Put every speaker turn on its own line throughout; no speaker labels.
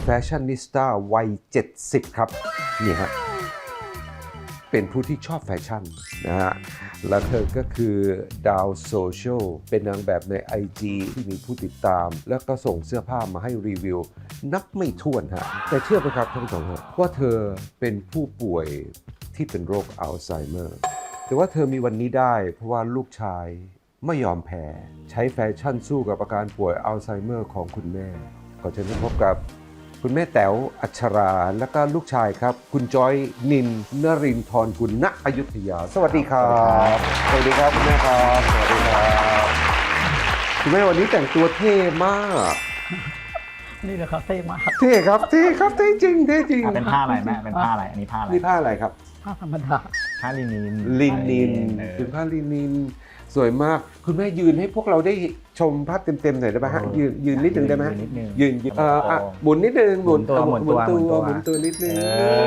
แฟชั่นนิสต้าวัย 70 ครับนี่ฮะเป็นผู้ที่ชอบแฟชั่นนะฮะและเธอก็คือดาวโซเชียลเป็นนางแบบใน IG ที่มีผู้ติดตาม แล้วก็ส่งเสื้อผ้ามาให้รีวิวนับไม่ถ้วนฮะแต่เชื่อไหมครับท่านผู้ชมฮะว่าเธอเป็นผู้ป่วยที่เป็นโรคอัลไซเมอร์แต่ว่าเธอมีวันนี้ได้เพราะว่าลูกชายไม่ยอมแพ้ใช้แฟชั่นสู้กับอาการป่วยอัลไซเมอร์ของคุณแม่ขอเชิญพบกับคุณแม่แต๋วอัชราและก็ลูกชายครับคุณจอยนินนรินทร์กุลณอยุธยาสวัสดีครับสวัสดีครับคุณแม่ครับสวัสดีครับคุณแม่วันนี้แต่งตัวเท่มาก
นี่แหละครับเท่มาก
เท่ครับเท่ครับเท่จริงเท่จริง
เป็นผ้าอะไรแม่เป็นผ้าอะไรอันนี้ผ้าอะไร
นี่ผ้าอะไรครับ
ผ้าธรรมดา
ผ้าลินิน
ลินิน
เออ
เป็นผ้าลินินสวยมากคุณแม่ยืนให้พวกเราได้ชมภาพเต็มๆหน่อยได้ไหมฮะยืนนิดนึงได้ไหม
นิดนึง
ยืนหมุนนิดนึง
หมุนตัว
หมุนตัวนิดนึง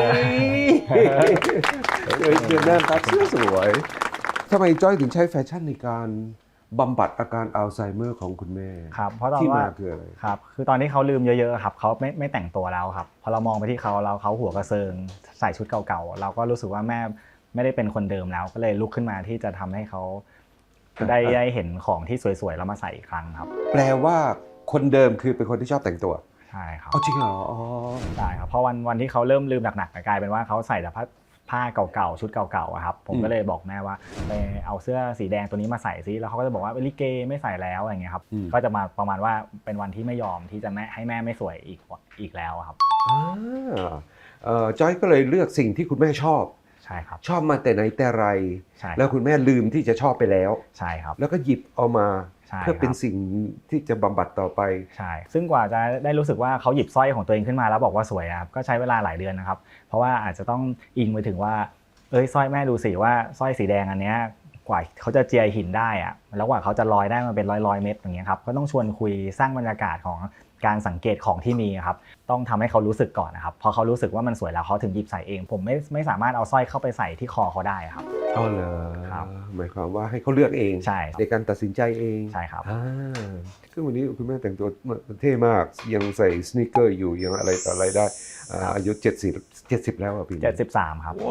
เดือนหน้าครับเสื้อสวยทำไมจ้อยถึงใช้แฟชั่นในการบำบัดอาการอัลไซเมอร์ของคุณแม่
ครับเพราะตอน
ที่
ว่า
มาคืออะไร
ครับคือตอนที่เขาลืมเยอะๆครับเขาไม่แต่งตัวแล้วครับพอเรามองไปที่เขาแล้วเขาหัวกระเซิงใส่ชุดเก่าๆเราก็รู้สึกว่าแม่ไม่ได้เป็นคนเดิมแล้วก็เลยลุกขึ้นมาที่จะทำให้เขาได้เห็นของที่สวยๆแล้วมาใส่อีกครั้งครับ
แปลว่าคนเดิมคือเป็นคนที่ชอบแต่งตัว
ใช่ครับ
อ๋อจริงเหรออ๋อ
ใช่ครับเพราะวันที่เขาเริ่มลืมหนักๆกลายเป็นว่าเขาใส่แต่ผ้าเก่าๆชุดเก่าๆอะครับผมก็เลยบอกแม่ว่าไปเอาเสื้อสีแดงตัวนี้มาใส่ซิแล้วเขาก็จะบอกว่าลิเกไม่ใส่แล้วอะไรเงี้ยครับก็จะมาประมาณว่าเป็นวันที่ไม่ยอมที่จะให้แม่ไม่สวยอีกแล้วครับ
จอยก็เลยเลือกสิ่งที่คุณแม่ชอบ
ใช่ครับ
ชอบมาแต่ไหนแต่ไร
ใช่
แล้วคุณแม่ลืมที่จะชอบไปแล้ว
ใช่ครับ
แล้วก็หยิบเอามา
ใช่
เพื่อเป็นสิ่งที่จะบำบัดต่อไป
ใช่ซึ่งกว่าจะได้รู้สึกว่าเขาหยิบสร้อยของตัวเองขึ้นมาแล้วบอกว่าสวยครับก็ใช้เวลาหลายเดือนนะครับเพราะว่าอาจจะต้องอิงไปถึงว่าสร้อยแม่ดูสิว่าสร้อยสีแดงอันเนี้ยกว่าเขาจะเจียหินได้อะแล้วกว่าเขาจะลอยได้มาเป็นร้อยเม็ดอย่างเงี้ยครับก็ต้องชวนคุยสร้างบรรยากาศของการสังเกตของที่มีครับต้องทำให้เขารู้สึกก่อนนะครับพอเขารู้สึกว่ามันสวยแล้วเขาถึงหยิบใส่เองผมไม่สามารถเอาสร้อยเข้าไปใส่ที่คอเขาได้ครับ
อ๋อเหรอ
ครับ
หมายความว่าให้เขาเลือกเอง
ใช่
ในการตัดสินใจเอง
ใช่ครับ
ซึ่งวันนี้คุณแม่แต่งตัวเท่มากยังใส่สนิเกอร์อยู่ยังอะไรต่ออะไรได้อายุ70แล้วอ่ะพี่
73ครับ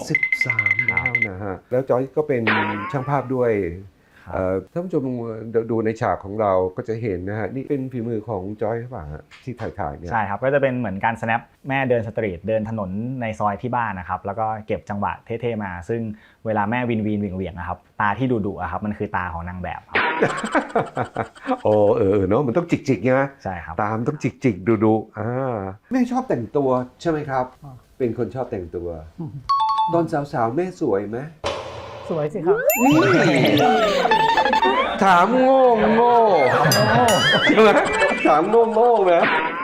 73แล้วนะฮะแล้วจอยก็เป็นช่างภาพด้วย
ครับ
ท่านผู้ชมดูในฉากของเราก็จะเห็นนะฮะนี่เป็นฝีมือของจอยหรือเปล่าฮะที่ถ่ายเนี่ย
ใช่ครับก็จะเป็นเหมือนการ snap แม่เดินสตรีทเดินถนนในซอยที่บ้านนะครับแล้วก็เก็บจังหวะเท่ๆมา ซึ่งเวลาแม่วินเหวี่ยงๆนะครับตาที่ดุๆครับมันคือตาของนางแบบครับ
โอ้เนาะมันต้องจิกๆไง
ใช่ครับ
ตามต้องจิกดูแม่ชอบแต่งตัวใช่ไหมครับ เป็นคนชอบแต่งตัว ตอนสาวๆแม่สวยไหม
สวยสิครับ
นี่ถามโง่ใช่ไหมถามโง่นะ